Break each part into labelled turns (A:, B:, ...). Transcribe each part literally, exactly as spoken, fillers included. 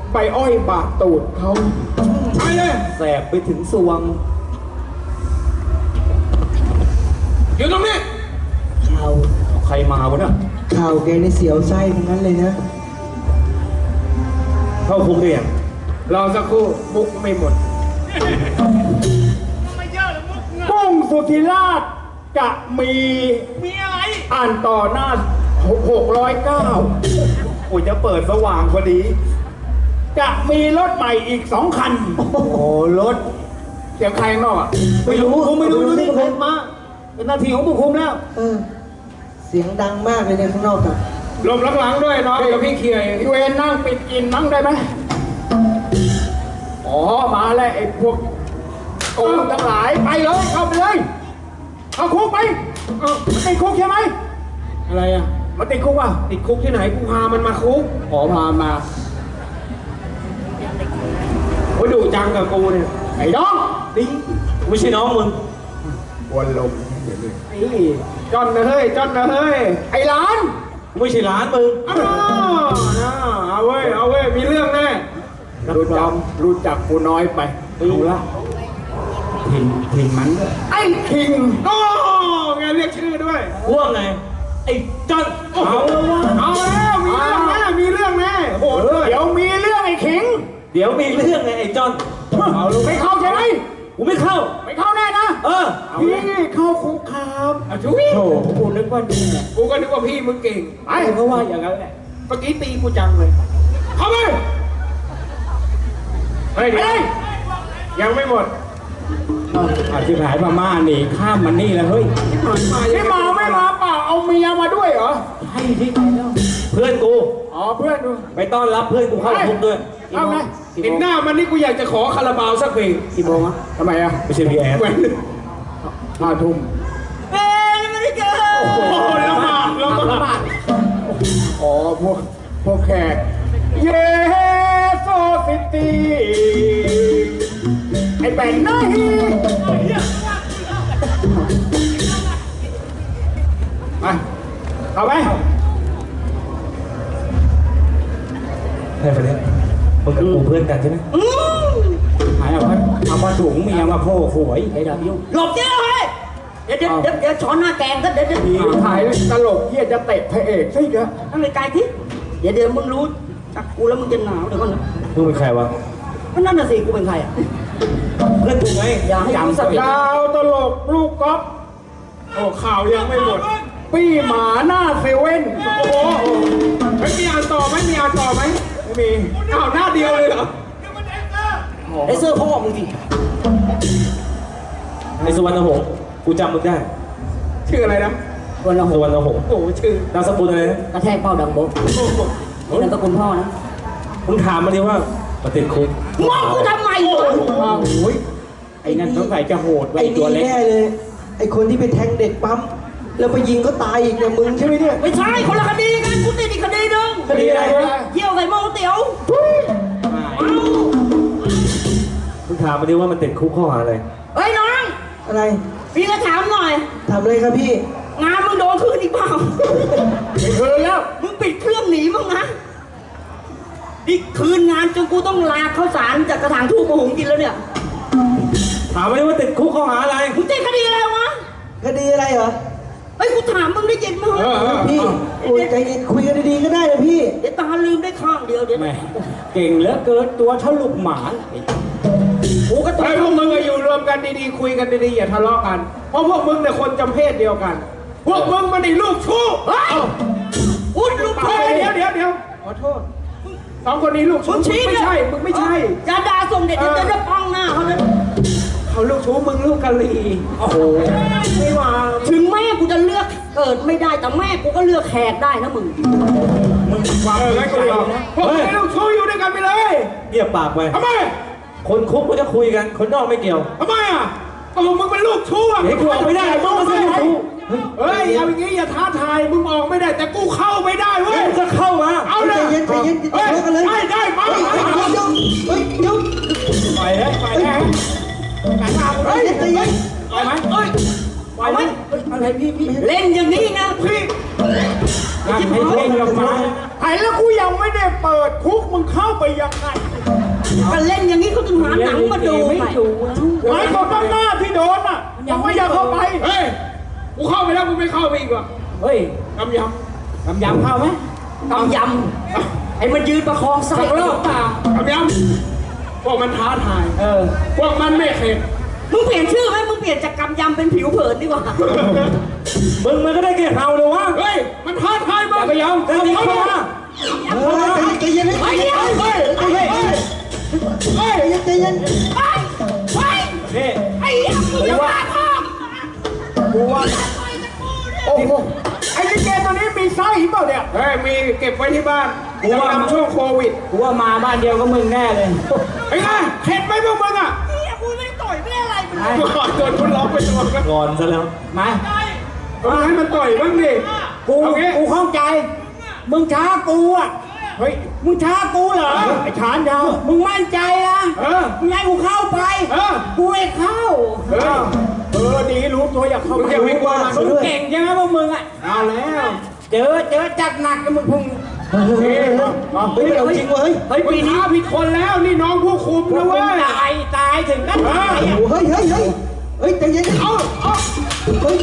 A: ใบอ้อยบาดตูดเขาไปเลย
B: แสบไปถึงสวง
A: อยู่ตรงนี้
B: ข่าวใครมาวะเนี่ย
C: ข่าวแกในเสียวไส้ทั้งนั้นเลยนะ
B: เข้าคุกเรียง
A: รอสักครู่มุกไม่หมดปุ้งสุธิราชจะมีมีอะไรอ่านต่อหน้าหกร้อยเก้าโอ้ยจะเปิดสว่างพอดีจะมีรถใหม่อีกสองคันโอ้โหรถเสียงใครนอกอ่ะ
B: ไม่รู้ผมไม่รู้นี่ผมมาเป็นหน้าที่ของผู้คุมแล้ว
C: เออเสียงดังมากเลยในข้างนอกอ่ะ
A: ลมหลังๆด้วยน้องเดี๋ยวพี่เคลียร์พี่เวนนั่งปิดกินนั่งได้ไหมอ๋อมาแล้วไอ้พวกโกงทั้งหลายไปเลยเข้าไปเลยเอาคุกไปเออมันติดคุกใช่ไหมอะไรอ่ะมันติดคุกอ่ะติดคุกที่ไหนกูพามันมาคุกขอพามาโอ้ยดุจังกับกูเนี่ยไอ้น้องดิ
B: ไม่ใช่น้องมึง
A: วนลมนี่จอนนะเฮ้ยจอนนะเฮ้ยไอ้หลาน
B: ไม่ใช่หลานมึง
A: อ้าวเอาเว้ยเอาเว้ยมีเรื่องแน่รู้จักรู้จักกูน้อยไปดูละทิงทิงมันไอ้ทิงโอ้ไงเรียกชื่อด้วย
B: ว่าไงไอ้จอน
A: เอาเอาแล้วมีเรื่องแน่มีเรื่องแน่โหเดี๋ยวมีเรื่องไอ้ขิง
B: เดี๋ยวมีเรื่องไงไอ้จอน
A: เอาลูกไม่เข้าใช่ไหม
B: กูไม่เข้า
A: ไม่เข้าแน่นะ
B: เออ
A: พี่เข้าคุกครับอ่ะช่วยโธ่กูนึกว่านี่แหละกูก็นึกว่าพี่มึงเก่งไอ้
B: เขาว่าอย่างนั้นแหละ
A: เมื่อกี้ตีกูจังเลยเข้าไปเฮ้ยเดี๋ยวยังไม่หมดอาชิบหายมาม่าหนีข้ามมันนี่แล้วเฮ้ยไม่มาไม่มาเปล่าเอาเมียมาด้วยเหรอ
B: ให้ที่ไหนแล้วเพื่อนกู
A: อ๋อเพื่อนดู
B: ไปต้อนรับเพื่อนกูเข้าคุกด้วย
A: เอาไงเห็นหน้ามันนี่กูอยากจะขอคาราบาวสักเพลง
B: กี่โมงอะ
A: ทำไมอะ
B: ไม่ใช่พีแอร์
A: ห้าทุ่ม
B: เอ๊ะไม่ได้เจอ
A: โอ้โหละหมาดละหมาดอ๋อพวกพวกแขกเยโซซิตี้ไอ้แบนน้อยไปเอาไป
B: ใช่ปะเนี่ยมึงกับกูเพื่อนกันใช่ไหม
A: หายเอาไปเอาผ้าถุงเมียมาโผล่หวย
B: ไอ้ดาบยุ่ง
D: หลบเจ้าเลยเดี๋ยวเดี๋ยวเดี๋ยวเดี๋ยวช้อนหน้าแกงก็เดี๋ยวเดี๋ยว
A: ถ่ายตลกเฮียจะเตะพระเอกใช่ไหม
D: นั่งเลยไกลที่เดี๋ยวเดี๋ยวมึงรู้จักกูแล้วมึงจะหนาวเดี๋ยวก่อนนะ
B: มึงเป็นใครวะ
D: ก็นั่นน่ะสิกูเป็นใครอ่ะ
B: เพื่อนกูไง
D: อย่าให้กูสัก
A: ดาวตลกลูกก๊อฟโอ้ข่าวยังไม่หมดปี้หมาหน้าเซเว่นโอ้โหไม่มีอ่านต่อไหมมีอ่านต่อไหมไม่มีอ้าวหน้าเดียวเลยเหรอ
D: ไอ้เสื้อพ่อมึงสิ
B: ไอ้สุวรรณหงษ์กูจำมึงได้
A: ชื่ออะไรนะ
D: สุวรรณหงษ์
B: สุวรรณหงษ์
A: โอ้ชื่อน
B: ามสกุลอะไรนะ
D: กระแทกเป้าดังโบ๊ะนั่นก็คุณพ่อนะ
B: มึงถามมาดิว่าประเด็นคุก
D: มองกูทำไมวะ
A: โอ้ยไอ้นั่นต้องใส่จะโหดไว้ตัวเล็ก
C: แน่เลยไอ้คนที่ไปแทงเด็กปั๊มแล้วไปยิงก็ตายอีกเนี่ยมึงใช่ไหมเนี่ย
D: ไม่ใช่คนละคดีกันกูติดอีกคดีนึง
A: คดีอะไรวะ
D: เที่ยวใส่หม้อก๋วยเตี๋ยว
B: มึงถามมาดิว่ามันติดคุกข้อหาอะไร
D: เฮ้ยน้อง
C: อะไร
D: พี่ก็ถามหน่อย
C: ถามอะไรครับพี่
D: งานมึงโดนคืนอีกเปล่า
A: ไม่คืนแล้ว
D: มึงปิดเครื่องหนีมั้งนะนี่คืนงานจนกูต้องลาข้าวสารจากกระถางทูบมาหุงกินแล้วเนี่ย
B: ถามมาดิว่าติดคุกข้อหาอะไร
D: มึงติดคดีอะไรวะ
C: คดีอะไรเหรอ
D: เฮ้ยกูถามมึงได้ยินมั้ย
C: พี่คุยใจเย็นคุยกันดีๆก็ได้นะพี่
D: เดี๋ยวตาลืมได้ข้างเดียวเดี๋ยว
A: เก่งเหลือเกินตัวทะลุหมา
D: กูก็ต้อง
A: พวกมึงอยู่รวมกันดีๆคุยกันดีๆอย่าทะเลาะกันเพราะพวกมึงเนี่ยคนจำเพศเดียวกันพวกมึงมันไอ้ลูกชู้
D: พูดลูกชู้
A: เดี๋ยวเดี๋ยวเดี๋ยวขอโทษสองคนนี้ลูกชู้ไม่ใช่มึงไม่ใช่
D: อย่าด่าส่งเด็ดจะจะป้องหน้าเขาเลย
A: เขาลูกชู้มึงลูกกะลีโอ้โหไม่ว่า
D: ถึงแม่กูจะเลือกเกิดไม่ได้แต่แม่กูก็เลือกแขกได้นะมึง
A: มึงความเออไม่กูยอมพวกมึงลูกชู้อยู่ด้วยกันไปเลย
B: เงียบปากไป
A: ทำไม
B: คนคุกก็จะคุยกันคนนอกไม่เกี่ยว
A: ทำไมอ่ะก็มึงเป็นลูกชู้อ่ะ
B: เฮ้ยกูออกไม่ได้มึงมาเป็นลูกชู้
A: เฮ้ยเอาอย่างงี้อย่าท้าทายมึงออกไม่ได้แต่กูเข้าไม่ได้เว้ย
B: จะเข้ามา
A: เอาเลย
C: ใจเย็นใจเย็น
A: เฮ้ยได้ได้มา
C: เฮ้ยยุบเฮ้ยยุบ
A: ไปเลยไปเลยไหนมาเฮ้ยใจเย็นไปไหมเฮ้ยไปไหมอะไรพี่พี่
D: เล่นอย่างนี้นะพี่
A: ให้เล่นกับมาให้แล้วกูยังไม่ได้เปิดคุกมึงเข้าไปยังไง
D: ก็เล่นอย่างนี้เขาถึงหาหนังมาดูไม่ดู
A: ไอ้คนข้างหน้าที่โดนอ่ะยังไม่อยากเข้าไป
E: เฮ้ย กูเข้าไปแล้วกูไม่เข้าไปอีกว่ะ
B: เฮ้ย
E: กำย
B: กำยำเข้าไหม
D: กำยำไอ้มันยืนประคอง
E: ำ
D: ไส้
E: สักรอบเปล่ากำยำพวกมันท้าทาย
B: เออ
E: พวกมันไม่เข็ด
D: มึงเปลี่ยนชื่อไหมมึงเปลี่ยนจากกำยำเป็นผิวเผินดีกว่า
B: มึงมันก็ได้แค่เฮาเลยวะ
E: เฮ้ย มันท้าทายมึ
B: อง ย่าไปยอมเดี๋ยวนี้เข้ามา
C: เฮ้ยใจเย็นใจเย็น
E: เฮ้ย
C: เฮ้ย
E: เฮ้ย
C: เฮ้ยใจเย็นใจเย็น
D: ไปไป
B: นี่
D: ไอ้ยังมึงจะมาพ่อ
A: กูว่าโอ้โหไอ้ลิเกตัวนี้มีไส้เปล่าเนี่ย
E: เฮ้ย มีเก็บไว้ที่บ้านกูทำช่วงโควิด
B: กูว่ามาบ้านเดียวก็มึงแน่เลย
E: ไอ้ไงเข็ดไหมพวกมึงอ่ะ
D: นี่กูไม่ได้ต่อยไม่ได้อะไรมึง
E: กูขอโดนคุณร้องไปตัวกัน
B: งอนซะแล้ว มา
E: เอาให้มันต่อยบ้างดิ
B: กู
E: เอางี้
B: กูเข้าใจ มึงช้ากูอ่ะ
A: เฮ้ย
B: มึงช้ากูเหรอ
A: ไอ้ชานยาว
B: มึงมั่นใจนะ
E: เออ
B: มึงให้กูเข้าไป
E: เออ
B: กูไม่เข้า
E: เฮ้ย
A: เออดีรู้ตัวอยากเข้า
E: มึง
A: ไป
E: อย่าไปกลัว
B: มึงเก่งใช่ไหมพวกมึงอ่ะ
E: เอาแล้ว
B: เจอเจอจัดหนักกับมึงพุ่ง
C: เฮ้ยเฮ้ยเฮ้ยเอาจริงเว้ย
B: เฮ้ย
E: มึ
B: ปี
E: ง
B: นี้
E: ท้าผิดคนแล้วนี่น้องผู้คุม
B: พว
E: นะ
B: กมึ
E: เว้
B: ง
E: ย
B: ตายตายถึงกันตายอ่ะ
C: เฮ้ยเฮ้ยเฮ้ยเฮ้ยใจเย็น
E: เอาเอา
C: เฮ้ย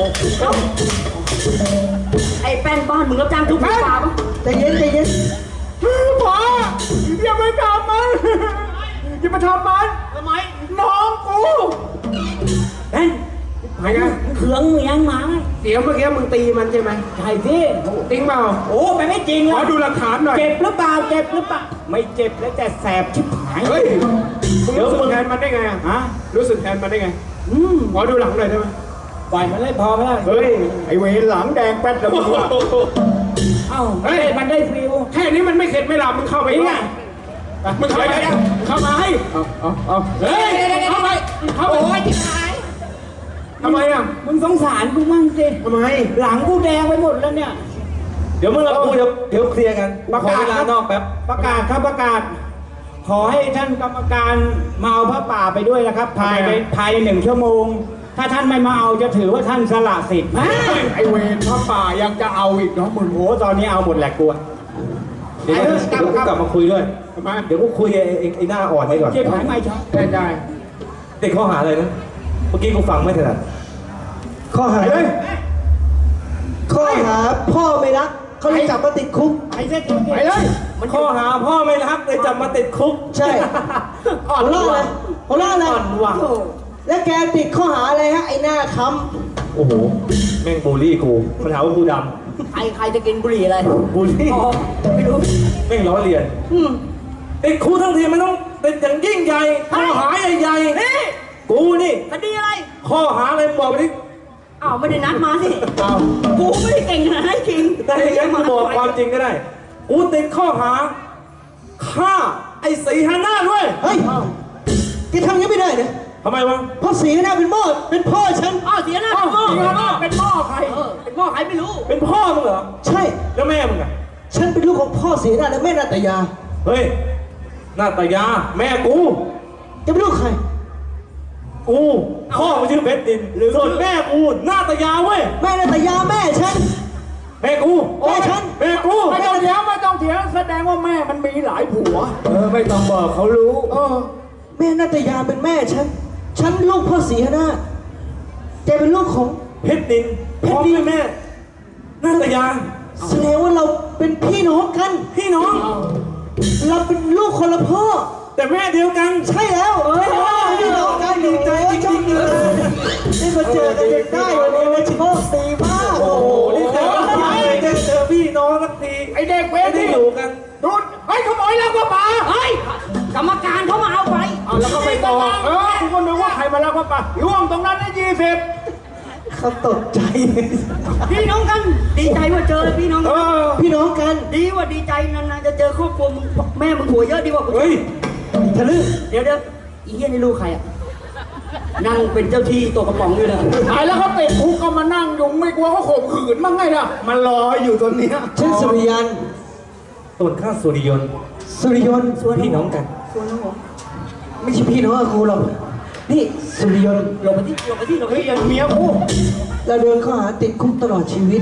D: ไอ้แป้นบ้านมึงรับจ้างทุบป่าปะ
C: ใจเย็นใจเย็น
A: พออย่าไปทำมันอย่าไปทำมัน
D: ทำไม
A: น้องกู
B: เฮ้ย
E: ไงไง
B: เขืองเมียงมาไหม
E: เดี๋ยวเมื่อกี้มึงตีมันใช่ไหม
B: ใช่สิ
E: จริงเปล่า
B: โอ้ไปไม่จริง
E: ขอ
B: อ่ะ
E: ดูหลักฐานหน่อย
B: เจ็บหรือเปล่าเจ็บหรือเปล่าไม่เจ็บแล้วแต่แสบชิบหาย
E: เฮ้ยมึงรู้สึกแทนมันได้ไงอะ
B: ฮะ
E: รู้สึกแทนมันได้ไง
B: อืม
E: ขอดูหลังหน่อยได้ไหม
B: ปล่อยมันเลยพอไหมล่ะ
A: เฮ้ยไอ้เวรหลังแดงแป๊ดแล้วมึงอะ
B: เอ้าเฮ้ยมันได้ฟิว
E: แค่นี้มันไม่เข็ดไม่หลับมึงเข้าไป
B: จริง
E: ไง
B: อ่ะ
E: มึงเข้าไปได้เข้ามาให้
A: เอาเอาเอา
E: เฮ้ยเข้าไปเข้าไป
D: โอ้ยที่ไหน
E: ทำไมอ่ะ
B: มึงสงสารกูมั่งสิ
E: ทำไม
B: หลังกูแดงไปหมดแล้วเนี่ย เดี๋ยวมึงกับกูเดี๋ยวเดี๋ยวเคลียร์กันประกาศลานอกแป๊บประกาศครับประกาศ ขอให้ท่านกรรมการมาเอาพระป่าไปด้วยนะครับ ภายในภายในหนึ่งชั่วโมง ถ้าท่านไม่มาเอาจะถือว่าท่านสละสิทธิ์
A: ไอ้เวรพระป่ายังจะเอาอีกเนาะมึง
B: โอ้ตอนนี้เอาหมดแหละกูอะเดี๋ยวเดี๋ยวกูกลับมาคุยด้วย
E: ทำไม
B: เดี๋ยวกูคุยไอ้ไอ้ไอ้หน้าอ่อนไว้ก่อนเจ็บหายไม่ชอบ
E: ได้ได้
B: เด็กข้อหาอะไรนะ เมื่อกี้กูฟังไม่ถนัด
C: ข้อหา
A: เฮ้ย
C: ข้อหาพ่อไม่รักเขาเลยจับมาติดคุก
B: ไอ้เจ๊
A: ไปเลย
B: มันข้อหาพ่อไม่รักเลยจับมาติดคุก
C: ใช่หัวเราะอะไรหัวเราะอะไร
B: อ่อนว่ะ
C: แล้วแกติดข้อหาอะไรฮะไอ้หน้าค้
B: โอ้โห แม่งบูลลี่กูมันหาว่ากูด
D: ใครใครจะกินบุหรี่อะไร
B: ำบูลลี่
D: อ๋อไม่รู้
B: แม่งล้อเลียน
D: อืม
B: ติดคุกทั้งทีมันต้องเป็นอย่างยิ่งใหญ่ข้อหาใหญ่
D: นี่
B: ๆกูนี่
D: คดีอะไร
B: ข้อหาอะไรบอกไปดิ
D: อ้าวไม่ได้นัดมาสิ
B: เอา
D: กูไม่ได้เก่งขนาดนั้นจริง
B: แต่อย่างนั้นกูบอกความจริงก็ได้ กูติดข้อหาฆ่าไอ้สีหาหน้าด้วย
C: ำเฮ้ยแกทำอย่างนี้ไม่ได้นะ
B: ทำไมวะ
C: เพราะสีหน้าเป็นพ่อเป็นพ่อฉัน
D: อ้าวเสียหน้าเป็นหม้อ
A: จริงเหรอเป็นหม้อใคร
D: เออเป็นหม้อใครไม่รู้
B: เป็นพ่อมึงเหรอ
C: ใช่
B: แล้วแม่มึงอะ
C: ฉันเป็นลูกของพ่อสีหน้าและแม่นาตยา
B: เฮ้ยหน้าตายาแม่กู
C: แกเป็นลูกใคร
B: กูพ่อมันชื่อเพชรดินส่วนแม่กูหน้าตายาเว้ย
C: แม่นาตยาแม่ฉัน
B: แม่กู
C: แม่ฉัน
B: แม่กู
A: ไม่ต้องเถียงไม่ต้องเถียงแสดงว่าแม่มันมีหลายผัว
B: เออไม่ต้องบอกเขารู้
A: เออ
C: แม่นาตยาเป็นแม่ฉัน ฉันลูกพ่อสีหน้าแกเป็นลูกของ
B: เพชรดินพ่อแม่แม่หน้าตายา
C: แสดงว่าเราเป็นพี่น้องกัน
B: พี่น้อง
C: เราเป็นลูกคนละพ่อ
B: แต่แม่เดียวกัน
C: ใช่แล้วเออพี่น้องกันดีใจจริงๆเลยได้มาเจอกันจนได้วันนี้มันโชคดีมาก
B: โอ้โหนี่เจอได้เจอพี่น้องสักที
A: ไอ้เด็กเว
B: ไม่
A: ร
B: ได้
A: นี่
B: อยู่กัน
A: ดูดไอ้ขโมยแล้วก็ป่า
D: เฮ้ยกรรมการเขามาเอาไป
A: เอาแล้วก็ไปบอกเออกูก็นึกว่าใครมาแล้วก็ป่าล่วงตรงนั้นได้ยี่สิบ
C: เขาตกใจ
D: พี่น้องกัน ดีใจว่าเจอพี่น้อง
A: เอ
D: กัน
A: อ
C: พี่น้องกัน
D: ดีว่าดีใจนานๆจะเจอครอบครัวมึงแม่มึงผัวเยอะดีกว่ากู
B: เฮ้ย
C: ทะลึ่ง
D: เดี๋ยวเดี๋ยวอีเหี้ยนี่ลูกใครอ่ะนั่งเป็นเจ้าที่ตัวกระป๋องอยู่เลย
A: ตายแล้วเขาติดคุกก็มานั่งยุงไม่กลัวเขาข่มขืนมั้งไงล่ะมันรออยู่ตรงเนี้ย
C: ฉันสุริยัน
B: ส่วนข้าสุริยนต์
C: สุริยนต์
B: พี่น้องกัน
D: ส่วนน้องผม
C: ไม่ใช่พี่น้องกับกูหรอกนี่สุริยนต์
D: ลงไปที่ลงไปที่ลงไป
A: เฮ้ย
D: ที่
A: อย่างเมียกู
C: เราโดนข้อหาติดคุกตลอดชีวิต
A: อ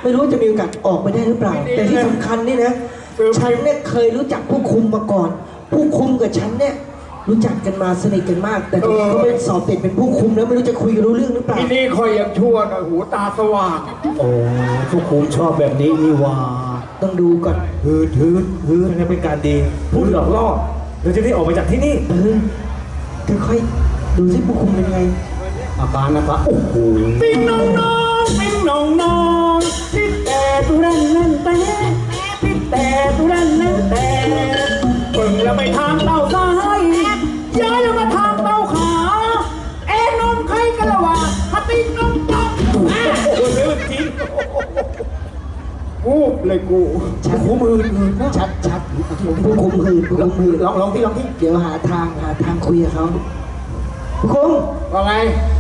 C: ไม่รู้จะมีโอกาสออกไปได้หรือเปล่า แต่ที่สำคัญนี่นะฉันเนี่ยเคยรู้จักผู้คุมมาก่อน ผู้คุมกับฉันเนี่ยรู้จักกันมาสนิทกันมาก แต่ตอนนี้เขาไปสอบติดเป็นผู้คุมแล้วไม่รู้จะคุยกันรู้เรื่องหรือเปล่า
A: ที่นี่คอยยังชั่วหน่อยหูตาสว่าง
B: โอ้ผู้คุมชอบแบบนี้นี่ว่า
C: ต้องดูก่อน
B: ฮืดฮืดฮืดนี่เป็นการดี พูดหลอกล่อเราจะได้ออกไปจากที่นี่
C: เออค่อยๆดูสิผู้คุมเป็นไง
B: อาการนะครับโอ้โห
A: ปิ้งน้องน้องปิ้งน้องน้องปิ้งแต่ตุรันนั่นแต่ปิ้งแต่ตุรันนั่นแต่เบิ่งแล้วไปทางเต้าซ้ายย้ายแล้วมาทางเต้าขาเอ็นนมใครกันละวะฮัตติ้งน้องน้องโอ้โหเรื่องจริงกูเลยกู
C: ชัดหูมือชัดชัดผู้คุมหืนผู้คุมหืน
A: ลองลองที่ลองที่
C: เดี๋ยวหาทางหาทางคุยกับเขาผู้คุม
A: ว่าไง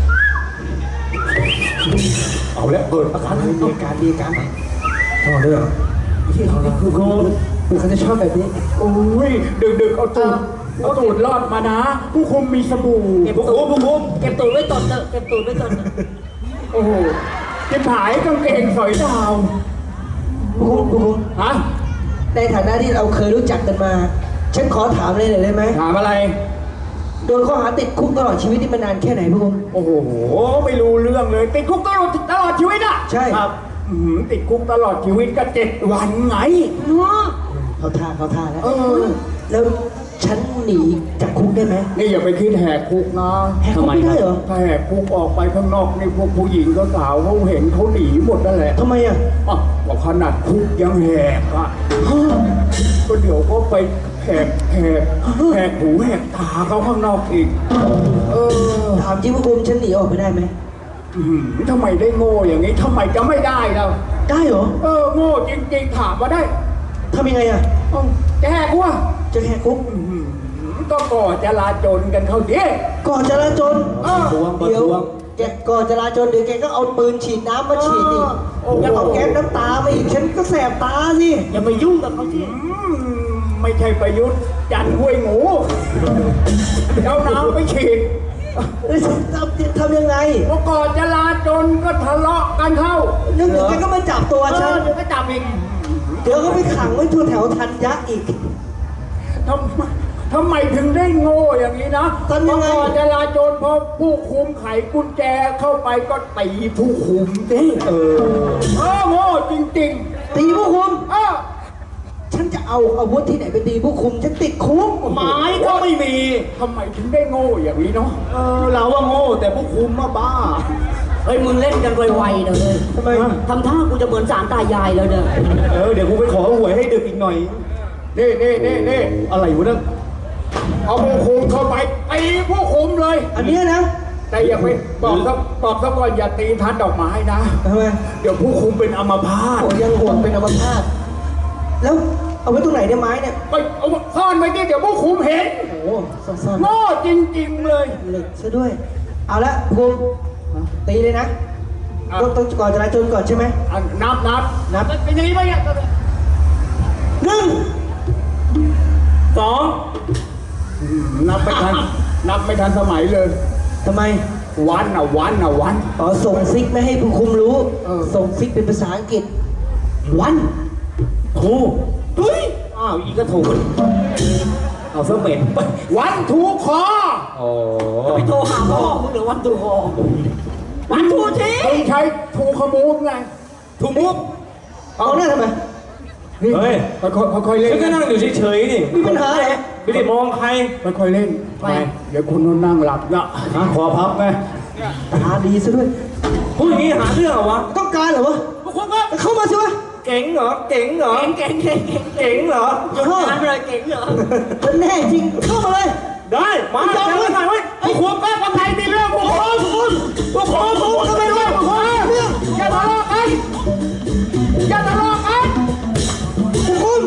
B: เอาแล้วเกิดอาการ
C: ดีการดีการ
B: ต่อเรื่อง
C: ผู้คุมเขาจะชอบแบบนี้
A: โอ้ยดึกดึกๆเอาตูดเอาตูดรอดมานะ ผู้คุมมีสบู่
D: เก็บตูดผู้คุมเก็บตูดไว้ตนเถอะเก็บตูดไว้ตนเถอะ
A: โอ้โหจะผายกางเกงสอยดาว
C: ผู้คุมผู้คุม
A: ฮะ
C: ในฐานะที่เราเคยรู้จักกันมา ฉันขอถามเลยหน่อยได้ไหม
A: ถามอะไร
C: โดนข้อหาติดคุกตลอดชีวิตนี่มานานแค่ไหนผู้คุม
A: โอ้โห ไม่รู้เรื่องเลย ติดคุกตลอดตลอดชีวิตอ่ะ
C: ใช่
A: ครับอื้อหือติดคุกตลอดชีวิตก็เจ็ดวันไง
C: เขาท่าเขาท่าแล้ว
A: เออ
C: แล้วฉันหนีจากคุกได้ไหม
A: นี่อย่าไปคิดแหกคุกนะ
C: แหกคุกไม่ได้เหรอ
A: ถ้าแหกคุกออกไปข้างนอกนี่พวกผู้หญิงก็สาวเขาเห็นเขาหนีหมดนั่นแหละ
C: ทำไมอ่ะ
A: อ่ะบอกขนาดคุกยังแหกอ่ะก็เดี๋ยวก็ไปแหกแหกแหกหูแหกตาเขาข้างนอกอีก เออ
C: ถามจริงผู้คุมฉันหนีออกไปได้ไหม
A: อื้อหือทำไมได้โง่อย่างนี้ทำไมจะไม่ได้เรา
C: ได้เหรอ
A: เออโง่จริงๆถามมาได้
C: ทำยังไงอ่ะ
A: เอ้าจะแหกวะ
C: จะแหกคุก
A: อื้อหือก็ก่อจราจนกันเขาดิ
C: ก่อนจราจน
A: เออ
B: ทวงประ
C: เดี๋ยว
B: ท้วง
C: แกก่อนจราจนเดี๋ยวแกก็เอาปืนฉีดน้ำมาฉีดอีก
A: โอ้โห
C: แล้วเอาแก๊สน้ำตามาอีกฉันก็แสบตาสิ
D: อย่ามายุ่งกับเขาสิ
A: อืมไม่ใช่ประยุทธ์จันทร์ห้วยหมูเอาน้ำไปฉีด
C: แล้วฉันทำทำยังไง
A: พอก่อจราจนก็ทะเลาะกันเข้า
C: นึกถึงแกก็มาจับตัว
A: เอ
C: ฉัน
A: อเดี๋ยวก็จับอีก
C: เดี๋ยวก็ไปขังไว้ทั่วแถวทันยะอีก
A: ทำไมทำไมถึงได้โง่อย่างนี้นะ
C: ทำยังไง
A: พอก่อจราจนพอผู้คุมไขกุญแจเข้าไปก็ตีผู้คุมสิเออเออโง่จริง
C: ตีผู้คุม
A: ๆเออ
C: ฉันจะเอาอาวุธที่ไหนไปตีผู้คุม ฉันติดคุก
A: ไม้ก็ไม่มีทำไมถึงได้โง่อย่างนี้เนาะ
B: เออเราว่าโง่แต่ผู้คุมมาบ้า
D: เฮ้ยมึงเล่นกันไวๆนะเลย
C: ทำไม
D: ทำท่ากูจะเหมือนสามตายายแล้วเด้อ
B: เออเดี๋ยวกูไปขอหวยให้ดึกอีกหน่อย
A: นี่นี่นี่นี่
B: อะไรวะเนี่ย
A: เอาผู้คุมเข้าไปตีผู้คุมเลย
C: อันเนี้ยนะ
A: แต่อย่าไปบอกซะบอกซะก่อนอย่าตีทัดดอกไม้นะ
C: ทำไม
A: เดี๋ยวผู้คุมเป็นอัมพาต
C: โอ้ยังห่วงเป็นอัมพาตแล้วเอาไว้ตรงไหนเนี่ยไม้เนี่ย
A: ไปเอาซ่อนไว้ดิเดี๋ยวผู้คุมเห็น
C: โอ้โหซ่อน
A: โง่จริงๆเลย
C: ๆเหล็กซะด้วย เอาละผู้คุมตีเลยนะ
A: อ่ะ
C: ต้องต้องก่อนจราจนก่อนใช่ไหม
A: อ่ะนับนับ
C: นับ
A: เป็นอย่างนี้ไหมเนี่ย
C: หนึ่ง
B: สอง
A: อืมนับไม่ทัน นับไม่ทันสมัยเลย
C: ทำไม
A: วันอ่ะวันอ่ะวัน
C: อ๋อส่งซิกไม่ให้ผู้คุมรู้
A: เออ
C: ส่งซิกเป็นภาษาอังกฤษ วัน
B: ถูกดุยอ้าวอีกก็ถูกเอาเสื้อเหม็นไป
A: วันถูกคอ
B: โอ้
D: ไปโทรหาพ่อมึงหรือวันตูคอวันทูที
A: มึงใช้ถูกขมูกไง
B: ถูกมุก
C: เอาหน้าทำไม
A: นี่
B: เฮ้ย
A: ค่อยๆค่อยๆเล่น
B: ฉันก็นั่งอยู่เฉยๆนี่
C: มีปัญหาเหรอ
B: ไม่ได้มองใคร
A: ค่อยๆเล่นไปเดี๋ยวคุณนั่งหลับนะ
B: อ่ะขอพับไง
C: ตาดีซะด้วย
B: พูดอย่างนี้หาเรื่องเหรอวะ
C: ต้องการเหรอวะ
D: พวกคุณก็
C: เข้ามาสิวะ
B: เก๋งเหรอ เก๋งเหรอ
D: เก่งเก่งเก่งเก่ง
B: เก๋งเหรอ
D: หยุดงานไปเลยเก่งเหรอ
C: มันแน่จริง เข้ามาเลย
B: ได้ มา
C: ไม่ยอม
B: เจอกันหน่อยเว้ย
A: ไอ้หัวแป๊บคนไทยมีเรื่องพวกคุณคุณพวกคุณคุณทำไมเรื่องพวกคุณเรื่องอย่าทะเลาะกันอย่าทะเลาะกัน
C: ผู้คุม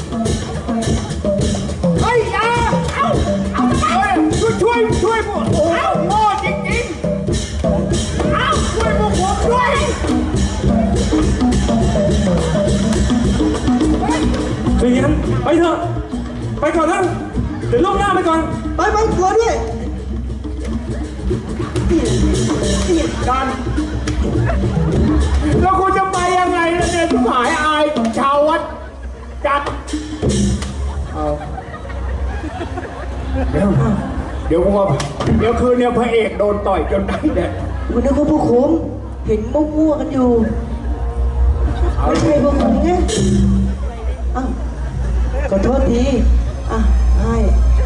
A: เฮ้ยอย่าเอาเอาเฮ้ยช่วยช่วยช่วยพวกโอ้โหโง่จริงๆเอาช่วยพวกผมด้วย
B: เรียนไปเถอะ ไปก่อนนะ เดี๋ยวล่วงหน้าไปก่อน
C: ไปไปตัวด้วย
A: กันแล้วกูจะไปยังไงล่ะเนี่ยเนี่ยทุกหายอายชาววัดจัดเอาเดี๋ยวเดี๋ยวกูว่าเดี๋ยวคืนเนี่ยพระเอกโดนต่อยจนได้เนี่ย
C: คุณนึกว่าผู้คุมเห็นมั่วๆกันอยู่ไม่ใช่ผู้คุมไงอ้าวขอโทษทีอ่ะให้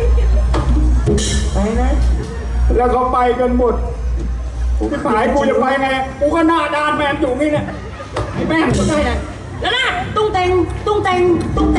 C: ไปนะ
A: แล้วเขาไปกันหมดที่หายกูจะไปไงกูก็หน้าด้านแมนอยู่นี่เนี่ยไอ้แม่งก็ได้ไง
D: แล้วนะตุ้งเต็งตุ้งเต็งตุ้งเต็ง